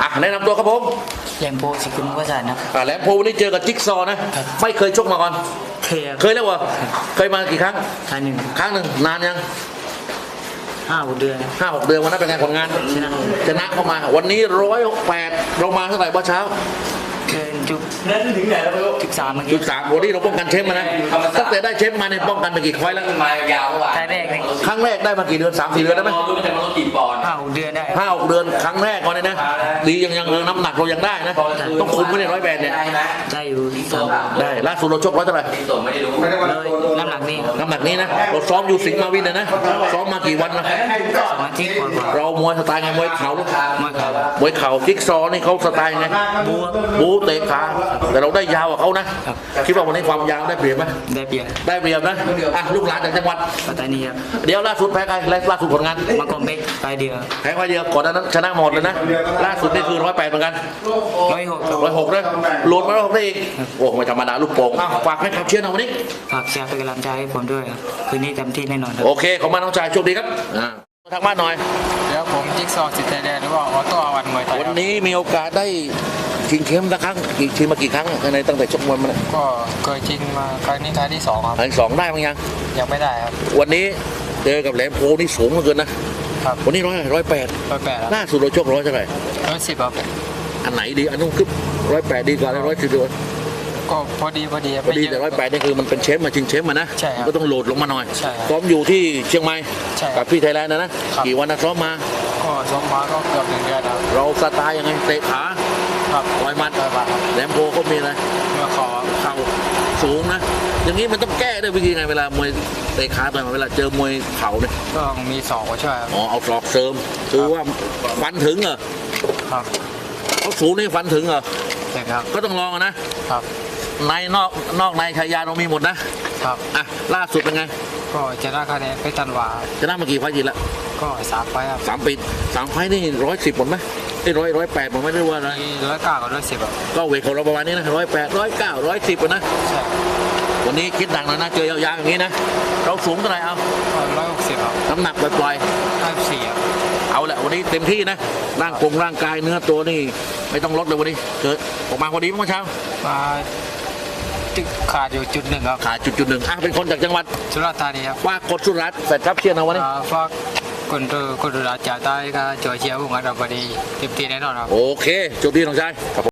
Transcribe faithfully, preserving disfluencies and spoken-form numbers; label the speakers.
Speaker 1: อ่ะแนะนำตัวครับผม
Speaker 2: แหลมโพสิกุลวสันต์ครับ
Speaker 1: อ่ะแหลมโพวันนี้เจอกับจิ๊กซอว์นะไม่เคยชกมาก่อน
Speaker 2: เคย
Speaker 1: เคยแล้วเหรอเคยมากี่ครั้ง
Speaker 2: ครั้งหนึ่ง
Speaker 1: ครั้งหนึ่งนานยัง
Speaker 2: ห้าหกเดือน
Speaker 1: ห้าหกเดือนวันนั้นเป็นไงผลงาน
Speaker 2: ชนะ
Speaker 1: ชนะเข้ามาวันนี้ร้อยแปดเรามาเท่าไหร่เมื่อเช้า
Speaker 2: เกินจุด
Speaker 3: นั่นถึงไหนแล้วไม่รู้
Speaker 2: จุดสามเมื่อ
Speaker 1: จุ
Speaker 2: กี้
Speaker 1: ดสามวันนี้เราป้องกันเชฟมานะตั้งแต่ได้เชฟมาเนี่ยป้องกันไปกี่ไฟล์แล้ว
Speaker 3: มายาวเมื่อวาน
Speaker 2: ท้ายแรกเลย
Speaker 1: ครั้งแรกได้มากี่เดือนสามสี่เดือนได้ไหม
Speaker 3: รู้ไม่ใช่มันลดกี่ปอนด์
Speaker 2: ห้าหกเดือนได้
Speaker 1: ห้าหกเดือนครั้งแรกก่อนเลยนะดียังยังน้ำหนักเรายังได้นะต้องคุมไม่ได้ร้อยแปดเนี่ย
Speaker 3: ได้ไหม
Speaker 2: ได้อยู่สอง
Speaker 1: ได้ล่าสุดเราชกร้อยเท่าไหร่
Speaker 3: ที่ส่งไม่ได้รู้
Speaker 2: เลยน้ำหนักนี่
Speaker 1: น้ำหนักนี้นะเราซ้อมอยู่สิงห์มาวินเลยนะซ้อมมากี่วันนะ
Speaker 2: สองอาทิตย์กว่า
Speaker 1: เรามวยสไตล์ไงมวยเข่า
Speaker 2: ๆมาครับ
Speaker 1: มวยเข่าจิ๊กซอว์นี่เขาสไตล์ไง
Speaker 2: บัว
Speaker 1: บูเตะขาแต่เราได้ยาวกว่าเขานะคิดว่าวันนี้ความยาวได้เปรียบไหม
Speaker 2: ได้เปรียบ
Speaker 1: ได้เปรียบนะอ่ะลูกหลานจากจังหวัด
Speaker 2: ปัตตานีครับ
Speaker 1: เดี๋ยวล่าสุดแพ้ใครล่าสุดผลงาน
Speaker 2: มากอมเบกไปเดียว
Speaker 1: แพ้ไฟเดียวก่อนหนานั้นชนะหมดเลยนะล่าสุดนี่คือร้อยแปดเหมือนกัน
Speaker 2: ร้อยหก
Speaker 1: ร้อยหกเลยโหลดมาร้อยหกได้อีกโอ้ไม่ธรรมดาลูกโป่งอ้าวฝากให้ขับเชียร์หน่อยวันนี้
Speaker 2: ฝากแชร์เป็นกำลังใจให้ผมด้วยครับคืนนี้เต็มที่แน่นอนครับ
Speaker 1: โอเคขอบคุณน้องชายโชคดีครับอ่าทางบ้านหน่อย
Speaker 4: เดี๋ยวผมจิ๊กซอว์สิทธิ์ไทยแลนด์หรือว่าออโต้อาวันมวยไทย
Speaker 1: วัน
Speaker 4: ครับ
Speaker 1: นี้มีโอกาสได้ชิงเข้มสักครั้งกี่ชิงมากี่ครั้งในตั้งแต่ชกมวยมาเนี่ย
Speaker 4: ก็เคยจริงมาครั้งนี้ครั้งที่สองครับ
Speaker 1: อันสองได้มั้งยัง
Speaker 4: ยังไม่ได้ครับ
Speaker 1: วันนี้เจอกับแหลมโพนี่สูงเหลือเกินนะครับ วันนี้ร้อยร้อยแปด
Speaker 4: ร้อยแปดครับ
Speaker 1: ล่าสุดเราชกร้อยเท่าไหร่
Speaker 4: ร้อยสิบครับ
Speaker 1: อันไหนดีอันนู้นคือร้อยแปดดีกว่าร้อยสิบดีกว่า
Speaker 4: ก็พอดีพอดีครับ
Speaker 1: พอดี
Speaker 4: ไม่เย
Speaker 1: แต่
Speaker 4: อะ
Speaker 1: ร้อยแปดนี่คือมันเป็นเชฟมาชิงเชฟมานะ
Speaker 4: ใช่ครับ
Speaker 1: ก็ต้องโหลดลงมาหน่อย
Speaker 4: ใช่ครับ
Speaker 1: ซ้อมอยู่ที่เชียงใหม่
Speaker 4: ใช่ครับ
Speaker 1: กับพี่ไทยแลนด์นะนะครับ กี่วันนะซ้อมมา
Speaker 4: ก็สมมาก็เกือบหนึ่งเดือนครับ
Speaker 1: เราสไตล์ยังไงเตะขา
Speaker 4: ครับ
Speaker 1: ต่อยหมัด
Speaker 4: ต่อยหมัดครับ
Speaker 1: แหลมโพเขามีอะไร
Speaker 4: เมื่อคอ
Speaker 1: เข่าสูงนะ อย่างนี้มันต้องแก้ด้วยวิธีไงเวลามวยเตะขาต่อยหมัดเวลาเจอมวยเข่าเนี่ย
Speaker 4: ก็มีสองมาช่วยครับ
Speaker 1: อ๋อเอาศอกเสริมคือว่าฟันถึงเหรอ
Speaker 4: ครับ
Speaker 1: เขาสูงนี่ฟันถึงเหรอ
Speaker 4: เด็กครับ
Speaker 1: ก็ต้องลองอะนะครับ ในนอกนอกในชายาเรามีหมดนะครับ อ่ะล่าสุดเป็นไง
Speaker 4: ก็จะได้คะแนนเพชรจันวา
Speaker 1: ชนะมากี่ไฟล์จีละ
Speaker 4: ก็สามไฟล์ครับ
Speaker 1: สามปีสามไฟล์นี่ร้อยสิบหมดไหมไอ้ร้อยร้อยแปดหมดไหมหรือว่าอะไร
Speaker 4: มีร้อยเก้ากับร้อยสิบครับ
Speaker 1: ก็เวทของเราประมาณนี้นะร้อยแปดร้อยเก้าร้อยสิบนะ
Speaker 4: ใช่
Speaker 1: วันนี้คิดหนักหน่อยนะเจอยาวๆอย่างนี้นะเราสูงเท่าไหร่เอา
Speaker 4: ก็ร้อยหกสิบครับ
Speaker 1: น้ำหนักปล่อย
Speaker 4: ห้าสิบสี่ครับ
Speaker 1: ๆเอาแหละวันนี้เต็มที่นะร่างกงร่างกายเนื้อตัวนี่ไม่ต้องลดเลยวันนี้เกิดออกมาพอดีเมื่อเช้า
Speaker 4: มาจุดขาดอยู่จุดหนึ่งครับ
Speaker 1: ขาดจุดๆหนึ่งอ่ะเป็นคนจากจังหวัด
Speaker 4: สุราษฎร์ธานีครับ
Speaker 1: ว่ากดสุรัตน์แฟนครับเชียร์นะวันนี้
Speaker 4: อ่าฝากคนดูคนดูแลจ่าใต้ก็ช่วยเชียร์ผมกันเราพอดีเต็มที่แน่นอนครับ
Speaker 1: โอเคโชคดีน้องชายครับผม